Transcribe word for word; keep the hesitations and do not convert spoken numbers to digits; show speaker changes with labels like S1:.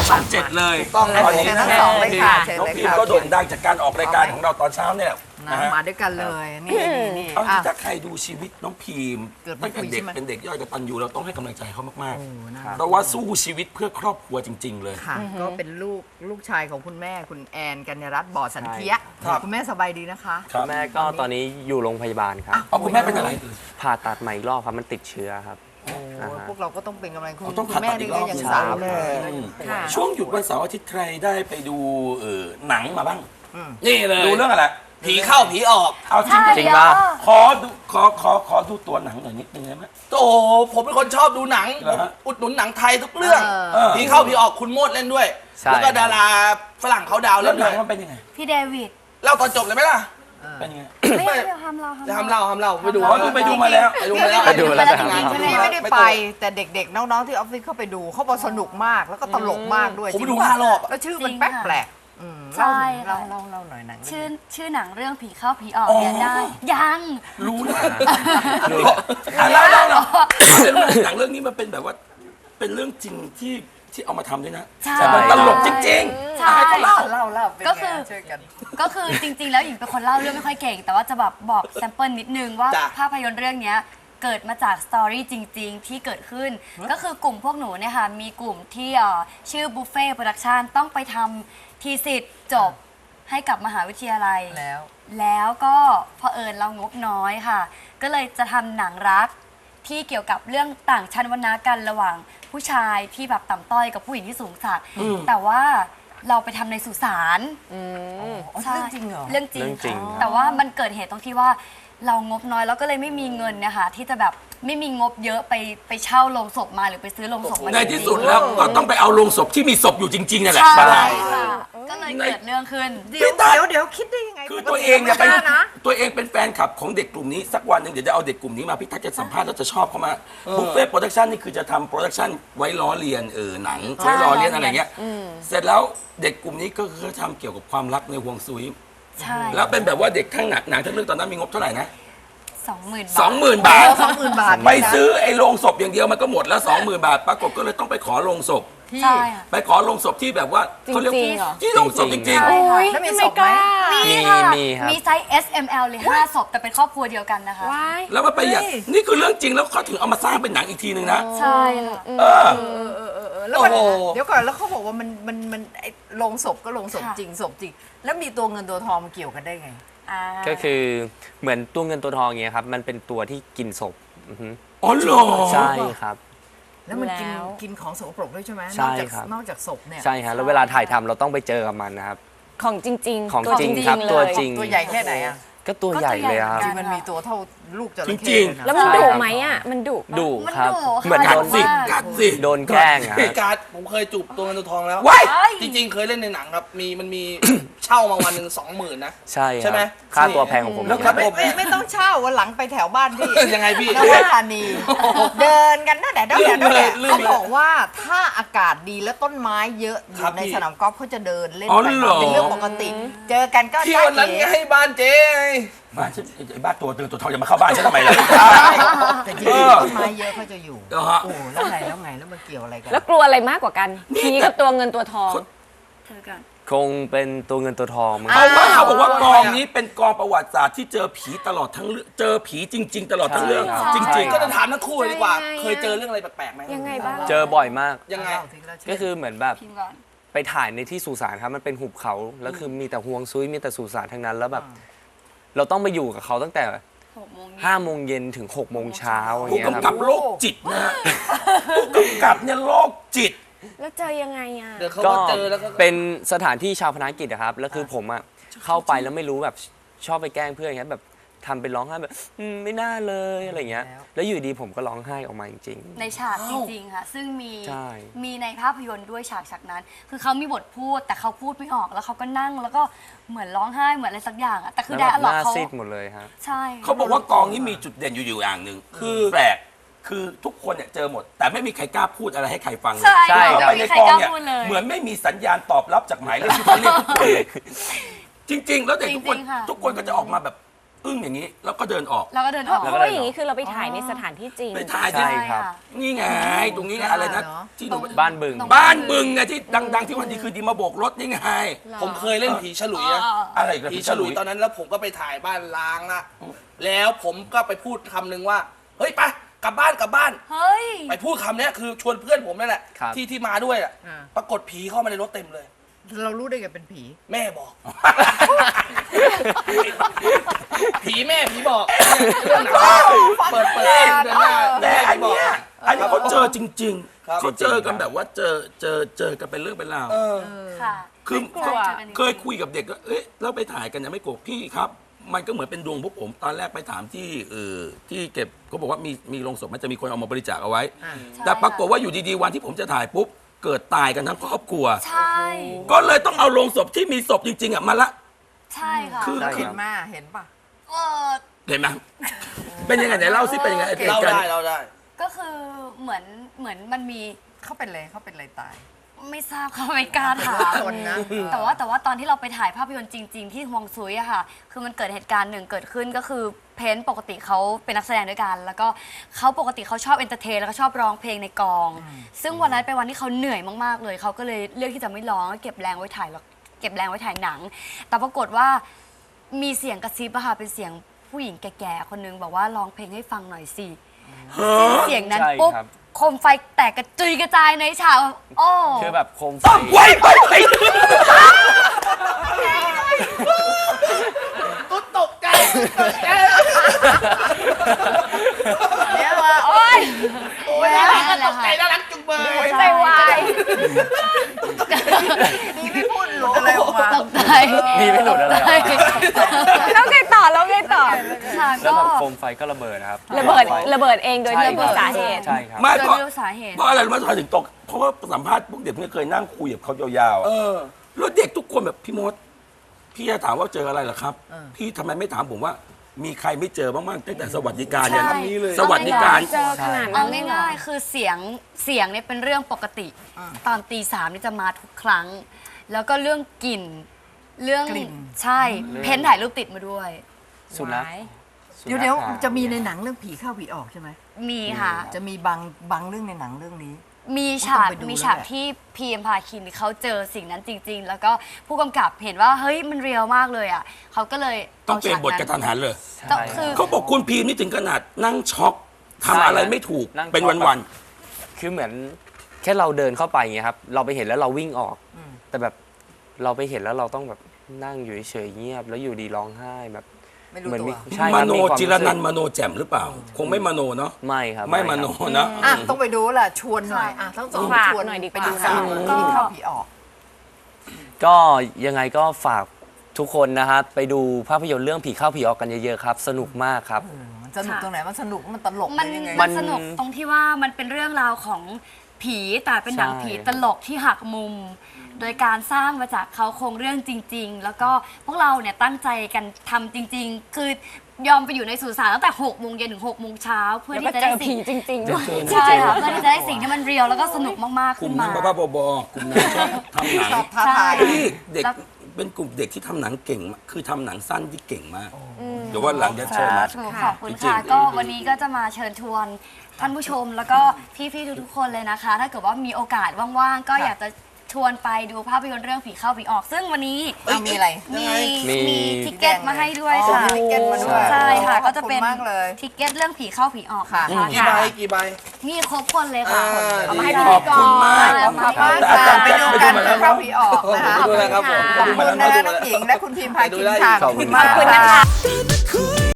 S1: ช่องเจ็ดเลยต้องตอนนี้นะน้องพีมก็โด่งดังจากการออกรายการของเราตอนเช้าเนี่ยนะ
S2: มาด้วยกันเลยนี่นี่
S1: เอาถ้าใครดูชีวิตน้องพีมตั้งแต่เด็กเป็นเด็กย่อยกตัญญูเราต้องให้กำลังใจเขามากๆเพราะว่าสู้ชีวิตเพื่อครอบครัวจริงๆเลย
S2: ค่ะก็เป็นลูกลูกชายของคุณแม่คุณแอนกัญญรัตน์บ่อสันเทียคุณแม่สบายดีนะคะ
S3: คุณแม่ก็ตอนนี้อยู่โรงพยาบาลครับ
S1: อ๋อคุณแม่เป็นอะไร
S3: ผ่าตัดใหม่อีกรอบครับมันติดเชื้อครับ
S2: พวกเราก็ต้องเป็นกำลังใจ
S1: ต้องผ่าตัดอีกรอบยังสาวช่วงหยุดวันเสาร์อาทิตย์ใครได้ไปดูหนังมาบ้างนี่เลยดูเรื่องอะไรผีเข้าผีออกเอาจริง
S3: จริงป่ะ
S1: ขอดูขอขอขอดูตัวหนังหน่อยนิดนึงได้ไหม
S4: โอ้ผมเป็นคนชอบดูหนังอุดหนุนหนังไทยทุกเรื่องผีเข้าผีออกคุณโมดเล่นด้วยแล้วก็ดาราฝรั่งเขาดาวเล่นด้วย
S1: มันเป็นยังไง
S5: พี่เดวิด
S4: เล่าตอนจบเลยไหมล่ะ
S1: เป็นยังไง
S5: ไม่ไม่ทำเรา
S4: ทำเราทำเราไปดู
S1: ไปดูมาแล้ว
S4: ไปดูมาแล้ว
S3: ไปดูมาแล้ว
S2: ไม่ได้ไปแต่เด็กๆน้องๆที่ออฟฟิศเข้าไปดูเขาบอกสนุกมากแล้วก็ตลกมากด้วย
S4: ผมไปดูห้ารอบ
S2: แล้วชื่อมันแปลกแปลก
S5: ใช่
S2: เล่าเล่าเล่าหน่อยหนัง
S5: ชื่อชื่อหนังเรื่องผีเข้าผีออกเนี่ยได้ยัง
S1: รู้นะเล่าเล่าเล่าหนังเรื่องนี้มันเป็นแบบว่าเป็นเรื่องจริงที่ที่เอามาทำด้วยนะแต่มันตลกจริงๆ
S5: ใช่
S2: เล่าเล่าเล่า
S5: ก็คือก็คือจริงๆแล้วหญิงเป็นคนเล่าเรื่องไม่ค่อยเก่งแต่ว่าจะแบบบอกแซมเปิลนิดนึงว่าภาพยนตร์เรื่องนี้เกิดมาจากสตอรี่จริงๆที่เกิดขึ้นก็คือกลุ่มพวกหนูเนี่ยค่ะมีกลุ่มที่ชื่อบุฟเฟ่โปรดักชันต้องไปทำทีสิทธิ์จบให้กับมหาวิทยาลัย
S2: แล้ว
S5: แล้วก็เผอิญเรางบน้อยค่ะก็เลยจะทำหนังรักที่เกี่ยวกับเรื่องต่างชั้นวรรณะกันระหว่างผู้ชายที่แบบต่ำต้อยกับผู้หญิงที่สูงสักแต่ว่าเราไปทำในสุสาน
S2: เรื่องจริงเหรอ
S5: เรื่องจริงแต่ว่ามันเกิดเหตุตรงที่ว่าเรางบน้อยแล้วก็เลยไม่มีเงินนะคะที่จะแบบไม่มีงบเยอะไปไปเช่าโรงศพมาหรือไปซื้อโรงศพมา
S1: ในที่สุดแล้วก็ต้องไปเอาโรงศพที่มีศพอยู่จริงๆนั่นแหละ
S5: ใช่ก็เลยเกิดเรื่องขึ้น
S2: เดี๋ยวเดี๋ยวเดี๋ยวคิดได้ยังไง
S1: คือตัวเองเนี่ยเป็นตัวเองเป็นแฟนคลับของเด็กกลุ่มนี้สักวันหนึ่งเดี๋ยวจะเอาเด็กกลุ่มนี้มาพี่ทักจะสัมภาษณ์แล้วจะชอบเขามาบุฟเฟ่โปรดักชันนี่คือจะทำโปรดักชันไว้ล้อเลียนเออหนังไว้ล้อเลียนอะไรเงี้ยเสร็จแล้วเด็กกลุ่มนี้ก็คือทำเกี่ยวกับความรักในห่วงซุยแล้วเป็นแบบว่าเด็กทั้งหนักหนังทั้งเรื่องตอนนั้นมีงบเท่าไหร่นะ
S5: สองหมื่น
S1: สองหมื่นบาท
S2: สองหมื่นบาท
S1: ไปซื้อไอ้โรงศพอย่างเดียวมันก็หมดแล้วสองหมื่นบาทปรากฏก็เลยต้องไปขอโรงศพ
S5: ใช่
S1: ไปขอโรงศพที่แบบว่าเขาเรียกที่โรงศพจริง
S2: ๆแล้วมีศพไหม
S5: มีค่ะมีไซส์ เอส เอ็ม แอล เลยห้าศพแต่เป็นครอบครัวเดียวกันนะคะ
S1: แล้วมันไปอย่างนี่คือเรื่องจริงแล้วเขาถึงเอามาสร้างเป็นหนังอีกทีนึงนะ
S5: ใช่ค่ะ
S1: เออ
S2: แล้วเดี๋ยวก่อนแล้วเขาบอกว่ามันมันมันไอ้โรงศพก็โรงศพจริงศพจริงแล้วมีตัวเงินตัวทองเกี่ยวกันได้ไง
S3: ก็คือเหมือนตัวเงินตัวทองเงี้ยครับมันเป็นตัวที่กินศพ
S1: อ๋อเหรอ
S3: ใช่ครับ
S2: แล้วมันกินกินของสกปรกด้วยใช่ไหม
S3: ใช่ครับ
S2: นอกจากศพเนี่ย
S3: ใช่ครับแล้วเวลาถ่ายทำเราต้องไปเจอกับมันนะครับ
S6: ของจริง
S3: ๆของจริงครับตัวจริง
S2: ตัวใหญ่แค่ไหนอ่ะ
S3: ก็ตัวใหญ่เลยครับ
S2: จริงมันมีตัวเท่าลูกจระ
S1: เข้
S6: แล้วมันดุไหมอ่ะมันดุ
S3: ดุครับ
S1: เหมือนกัดสิกัดสิ
S3: โดนแกล้ง
S4: พี่การ์ดผมเคยจูบตัวเงินตัวทองแล้วจริงๆเคยเล่นในหนังครับมีมันมีเช่ามาวันหนึ่งสองหมื่นนะ
S3: ใช่
S4: ใช่ไหม
S3: ค่าตัวแพงของผม
S2: แล้วไม่ไม่ต้องเช่าวันหลังไปแถวบ้านพี่
S4: ยังไงพี่
S2: นวธานีเดินกันนั่นแหละนั่นแหละนั่นแหละเขาบอกว่าถ้าอากาศดีแล้วต้นไม้เยอะอยู่ในสนามกอล์ฟเขาจะเดินเล่นไปเป็นเรื่องปกติเจอกันก็
S4: เที่ยวนั้นให้บ้านเจ๊
S1: บ้านฉันไอ้บ้านตัวตื่นตัวทองจะมาเข้าบ้านฉันทำไมล่ะ
S2: แต่จริงต้นไม้เยอะเขาจะอยู่โอ้แล้วไงแล้วไงแล้วมันเกี่ยวอะไรกัน
S6: แล้วกลัวอะไรมากกว่ากันผีกับตัวเงินตัวทอง
S5: เจอกัน
S3: คงเป็นตัวเงินตัวทองมั้ง
S1: เพราะว่าเขาบอกว่ากองนี้เป็นกองประวัติศาสตร์ที่เจอผีตลอดทั้งเรื่องเจอผีจริงๆตลอดทั้งเรื่องจริงๆ
S4: ก็จะถามทั้งคู่เลยดีกว่าเคยเจอเรื่องอะไรแปลกๆไหม
S6: ยังไงบ้าง
S3: เจอบ่อยมาก
S4: ยังไง
S3: ก็คือเหมือนแบบไปถ่ายในที่สุสานครับมันเป็นหุบเขาแล้วคือมีแต่ห่วงซุยมีแต่สุสานทั้งนั้นแล้วแบบเราต้องไปอยู่กับเขาตั้งแต่ห้าโมงเย็นถึงหกโมงเช้าอย่าง
S1: เงี้ยครับผู้กำกับโรคจิตนะผู้กำกับเนี่ยโรคจิต
S6: แล้วเจอยังไงอ่ะ
S3: ก็เป็นสถานที่ชาวพนักกิจนะครับแล้วคือผมอ่ะเข้าไปแล้วไม่รู้แบบชอบไปแกล้งเพื่อนอย่างเงี้ยแบบทำเป็นร้องไห้แบบไม่น่าเลยอะไรเงี้ยแล้วอยู่ดีผมก็ร้องไห้ออกมาจริง
S5: ๆในฉากจริงๆค่ะซึ่งมีมีในภาพยนตร์ด้วยฉากฉากนั้นคือเขามีบทพูดแต่เขาพูดไม่ออกแล้วเขาก็นั่งแล้วก็เหมือนร้องไห้เหมือนอะไรสักอย่างอะแต่คือไดอะล็อกเขา
S3: ซีดหมดเลยครับ
S5: ใช่
S1: เขาบอกว่ากองนี้มีจุดเด่นอยู่อยู่อย่างหนึ่งคือแปลกคือทุกคนเนี่ยเจอหมดแต่ไม่มีใครกล้าพูดอะไรให้ใครฟังเลย
S5: ใช่
S1: ไปในกองเนี่ยเหมือนไม่มีสัญญาณตอบรับจากหมายเลขที่เขาเรียกทุกคนเลยจริงๆแล้วเด็กทุกคนทุกคนก็จะออกมาแบบเออึ้งอย่างนี้แล้วก็เดินออก
S5: แล้วก็เดิน
S6: เพ
S5: อ
S6: ราะ
S5: อก
S6: เพราะว่าอย่างนี้คือเราไปถ่ายในสถานที่จริง
S1: ไปถ่าย
S3: ใช่
S1: ที่
S3: ครับ
S1: นี่ไงตรงนี้ไงอะไรนะ
S2: เนอะ
S1: ที่หนู
S3: บ้านบึง
S1: บ้านบึงไงที่ดังๆที่วันดีคือดีมาโบกรถนี่ไง
S4: ผมเคยเล่นผีฉลุยนะ
S1: อะไรกับ
S4: ผีฉลุยตอนนั้นแล้วผมก็ไปถ่ายบ้านล้างละแล้วผมก็ไปพูดคำหนึ่งว่า เฮ้ยไปกลับบ้านกลับบ้าน
S5: เฮ้ย
S4: ไปพูดคำเนี้ยคือชวนเพื่อนผมนั่นแหละ
S3: ครับ
S4: ที่ที่มาด้วยอะ
S2: อ่า
S4: ปรากฏผีเข้ามาในรถเต็มเลย
S2: เรารู้ได้ไงเป็นผี
S4: แม่บอก ผีแม่ผีบอกเรื่องหนังเปิดเปิดเองเดินหน้า
S1: แต่อัน
S4: บอก
S1: เนี้ยอันนี้เขาเจอจริง
S4: ครับ
S1: ๆเขาเจอกันแบบว่าเจอเจอเจอกันเป็นเรื่องเป็นราว
S4: เออ
S5: ค่ะ
S1: คือ
S6: กลัว
S1: เคยคุยกับเด็กก็เอ๊ะแล้วไปถ่ายกันยังไม่โกรธพี่ครับ มันก็เหมือนเป็นดวงพวกผมตอนแรกไปถามที่เออที่เก็บเขาบอกว่ามีมีโรงศพมันจะมีคนเอามาบริจาคเอาไว้ แต่ปรากฏว่าอยู่ดีๆวันที่ผมจะถ่ายปุ๊บเกิดตายกันทั้งครอบครัว
S5: ใช่
S1: ก็เลยต้องเอาโรงศพที่มีศพจริงๆอ่ะมาละ
S5: ใช่ค่ะ
S1: คือ
S3: ใช่
S2: เห็นมาเห็นปะ
S5: เออ
S1: เห็นไหมเป็นยังไงไหนเล่าสิเป็นยังไงไอ้เห
S4: เรา
S1: ตุการ
S4: ได้
S1: ณ์
S4: เราได้
S5: ก็คือเหมือนเหมือนมันมี
S2: เขาเป็นเลยเขาเป็นอะไรตาย
S5: ไม่ทราบค่ะไม่กล้าถาม
S2: คนนะ
S5: แต่ว่าแต่ว่าตอนที่เราไปถ่ายภาพยนตร์จริง ๆ ที่ฮวงซุยอะค่ะ คือมันเกิดเหตุการณ์หนึ่งเกิดขึ้นก็คือเพนปกติเขาเป็นนักแสดงด้วยกัน แล้วก็เขาปกติเขาชอบเอนเตอร์เทนแล้วก็ชอบร้องเพลงในกอง ซึ่งวันนั้นเป็นวันที่เขาเหนื่อยมากๆเลยเขาก็เลยเลือกที่จะไม่ร้องเก็บแรงไว้ถ่ายแล้วเก็บแรงไว้ถ่ายหนัง แต่ปรากฏว่ามีเสียงกระซิบอะค่ะเป็นเสียงผู้หญิงแก่ๆคนนึงบอกว่าร้องเพลงให้ฟังหน่อยสิซึ่งเสียงนั้น
S3: ใช่
S5: ปุ๊บ
S3: ครับ
S5: โคมไฟแตกกระจุยกระจายในฉากโอ้
S3: คือแบบโคมไฟ
S1: ต้องไว้ไปไป
S4: ตุ๊ดตกใจตกใจ
S2: เนี่ยว่าโอ๊ย
S4: โอ้ยน่ารักก็ตกใจน่ารักจุงเบย
S6: ใจวาย
S2: นี่ไม่พูดหลุดอะไรออกมา
S5: ตกใจ
S3: มีไม่หลุดอะไรหรอ
S6: แล้วไงต่อแล้วไงต่อ
S5: ค่ะ
S3: แล้ว
S5: ก็
S3: แบบโคมไฟก็ระเบิดนะครับ
S6: ระเบิดระเบิดเองโดยที่ไม่มีสาเหตุ
S3: ใช่ครับ
S1: ไม่
S5: โดย
S1: เพราะ
S5: ไม่รู้สาเหตุ
S1: เพราะอะไรรู้ไหมทำไมถึงตก เพราะว่าสัมภาษณ์พวกเด็กไม่เคยนั่งคุยกับเขายาวๆ
S4: เอ
S1: อะ
S4: อ
S1: แล้วเด็กทุกคนแบบพี่มด พี่จะถามว่าเจออะไรเหรอครับ พี่ทำไมไม่ถามผมว่า มีใครไม่เจอบ้างๆตั้งแต่สวัสดิการเนี่ย
S5: ใช่
S1: คำนี้เลยสวัสดิการ
S6: เจอขนาด
S5: เอา
S6: นั้นเลยเหรอ
S5: ง่ายๆ คือเสียงเสียงเนี่ยเป็นเรื่องปกติ ตอนตีสามนี่จะมาทุกครั้ง แล้วก็เรื่องกลิ่น เรื่อง
S2: กลิ่น
S5: ใช่ เพ้นถ่ายรูปติดมาด้วย
S3: สุนัข
S2: เดี๋ยวเดี๋ยวจะมีในหนังเรื่องผีเข้าผีออกใช่ไหม
S5: มีค่ะ
S2: จะมีบางบางเรื่องในหนังเรื่องนี้
S5: มีฉาก
S2: ต้องไปดู
S5: มีฉาก
S2: แล้วแหละ
S5: ที่พีเอ็มพาคินเขาเจอสิ่งนั้นจริง ๆ แล้วก็ผู้กำกับเห็นว่าเฮ้ยมันเรียลมากเลยอ่ะเขาก็เลย
S1: ต้องเปลี่ยนบทกระทันหันเลย
S5: ต้องคือ
S1: เขาบอกคุณพีมนี่ถึงขนาดนั่งช็อกทำอะไรไม่ถูก
S3: นั่งช็อก
S1: เป็นวัน
S3: คือเหมือนแค่เราเดินเข้าไปอย่างเงี้ยครับ เราไปเห็นแล้วเราวิ่งออก แต่แบบเราไปเห็นแล้วเราต้องแบบนั่งอยู่เฉยๆเงียบ แล้วอยู่ดีร้องไห้แบบ
S2: ไม่รู้
S3: เหมือน
S2: ตัว
S3: มีใช่
S1: ๆ
S3: ค
S1: ม
S3: บ
S1: โน
S3: ควา
S1: จิรนัน
S3: สึ
S1: ท์มโนแจ่มหรือเปล่า คงไม่มโนเนาะ
S3: ไม่ครับ
S1: ไม่มโนนะ
S2: อ่ะต้องไปดูแหละชวนหน่อยอ่ะทั้งสอง
S6: ฝาก
S2: ชวน
S6: หน่อยดีกว่า
S2: ไปดูหนัง
S5: ก็
S2: ผีเข้าผีออก
S3: ก็ยังไงก็ฝากทุกคนนะครับไปดูภาพยนตร์เรื่องผีเข้าผีออกกันเยอะๆครับ สนุกมากครับ
S2: มันสนุกตรงไหน มันสนุก มันตลก
S5: มัน
S2: ยังไง
S5: มันสนุกตรงที่ว่ามันเป็นเรื่องราวของผีแต่เป็นหนัง
S3: ใช่
S5: ผีตลกที่หักมุม โดยการสร้างมาจากเขาโครงเรื่องจริง ๆ แล้วก็พวกเราเนี่ยตั้งใจกันทำจริง ๆ คือยอมไปอยู่ในสุสานตั้งแต่หกโมงเย็นถึงหกโมงเช้าเพื่อ
S6: แล้ว
S5: ที่
S6: ก็
S5: จะ
S6: เจ
S5: ได้
S6: อผี
S5: สิ่ง
S6: จริงๆด้วย
S5: ใช่ค่ะเพื่อที่จะได้สิ่งที่มันเรียลแล้วก็สนุกมากๆ
S1: กลุ่
S5: ขึ้
S1: ม
S5: น
S1: นั้
S5: มา
S1: นบ้าๆบอๆกลุ่มนั้นชอบทำหนัง
S2: ชอบท้าทาย
S1: นี่เด็ก
S5: แล้ว
S1: เป็นกลุ่มเด็กที่ทำหนังเก่งมากคือทำหนังสั้นที่เก่งมาก เดี๋ยวว่าหลังจะเชิญมา
S5: ถูกขอบคุณ
S1: จริง
S5: ค่ะ
S1: ๆ
S5: ก็วันนี้ก็จะมาเชิญชวนท่านผู้ชมแล้วก็พี่ๆทุกๆคนเลยนะคะ ถ้าเกิดว่ามีโอกาสว่างๆ ก็อยากจะชวนไปดูภาพยนตร์เรื่องผีเข้าผีออก ซึ่งวันนี้
S2: เอามีอะไร
S5: มี
S3: มี
S5: มีทิเก็ตมาให้ด้วย
S2: อ๋อ
S5: ค่ะ
S2: มีทิเก็ตมาด้วย
S5: ใช่ค่ะ
S2: ขอบคุณ
S5: ก็จะเป็น
S2: มากเลย
S5: ทิเก็ตเรื่องผีเข้าผีออก
S2: ค่ะ
S5: นะคะ
S4: กี่ใบกี่ใบ
S5: มีครบคนเลยค่ะ
S4: อ่า
S5: เอามาให้
S4: ดี
S5: ดู
S1: ขอบคุณมาก
S5: ขอบคุณ
S2: ขอบ
S5: มาก
S2: คุณ
S1: แต่อาจารย์
S2: ไป
S1: แจ็ค
S2: ดู
S1: ไปดู
S2: กัน
S1: มาแล้ว
S2: เข้า
S1: เนาะ
S2: ผีออกนะคะ
S4: ไปดูเลยครับผม
S2: ขอบคุณนะน้องหญิงและคุณพิมพาคินค่ะ
S3: ขอบคุณ
S2: มาก
S6: ขอบคุณนะคะ
S2: ค่ะ